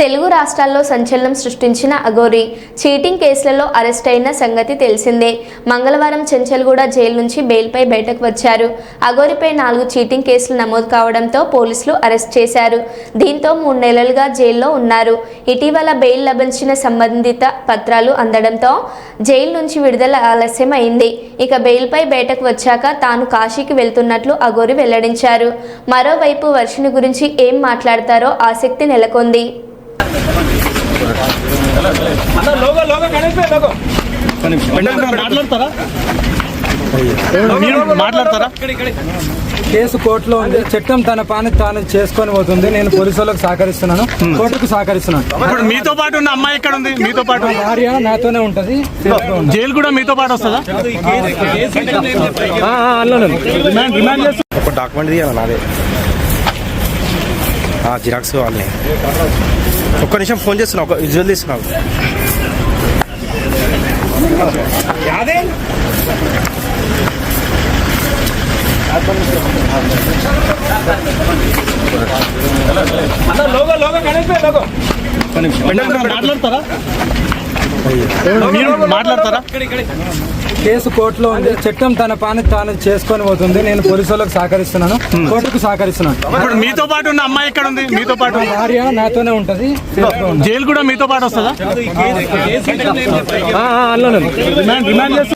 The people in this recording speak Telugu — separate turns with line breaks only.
తెలుగు రాష్ట్రాల్లో సంచలనం సృష్టించిన అఘోరి చీటింగ్ కేసులలో అరెస్ట్ అయిన సంగతి తెలిసిందే. మంగళవారం చెంచల్గూడ జైలు నుంచి బెయిల్పై బయటకు వచ్చారు. అఘోరిపై 4 చీటింగ్ కేసులు నమోదు కావడంతో పోలీసులు అరెస్ట్ చేశారు. దీంతో 3 నెలలుగా జైల్లో ఉన్నారు. ఇటీవల బెయిల్ లభించిన సంబంధిత పత్రాలు అందడంతో జైలు నుంచి విడుదల ఆలస్యం అయింది. ఇక బెయిల్పై బయటకు వచ్చాక తాను కాశీకి వెళ్తున్నట్లు అఘోరి వెల్లడించారు. మరోవైపు వర్షిని గురించి ఏం మాట్లాడతారో ఆసక్తి నెలకొంది.
కేసు కోర్టులో ఉంది. చట్టం తన పని తాను చేసుకొని పోతుంది. నేను పోలీసులకు సహకరిస్తున్నాను, కోర్టుకు సహకరిస్తున్నాను.
ఇప్పుడు మీతో పాటు ఉన్న అమ్మాయి ఎక్కడ ఉంది? మీతో పాటు
భార్య నాతోనే ఉంటది.
జైలు కూడా మీతో పాటు వస్తుందా?
ఒక డాక్యుమెంట్ తీయాలి నాదే, జిరాక్స్ కావాలి. ఒక్క నిమిషం ఫోన్ చేస్తున్నా, ఒక విజువల్ తీసుకున్నాను.
మాట్లాడతారా?
కేసు కోర్టులో ఉంది. చట్టం తన పని తాను చేసుకొని పోతుంది. నేను పోలీసులకు సహకరిస్తున్నాను, కోర్టుకు సహకరిస్తున్నాను.
ఇప్పుడు మీతో పాటు ఉన్న అమ్మాయి ఎక్కడ ఉంది? మీతో పాటు
భార్య నాతోనే ఉంటది.
జైలు కూడా మీతో పాటు వస్తుందా?
రిమాండ్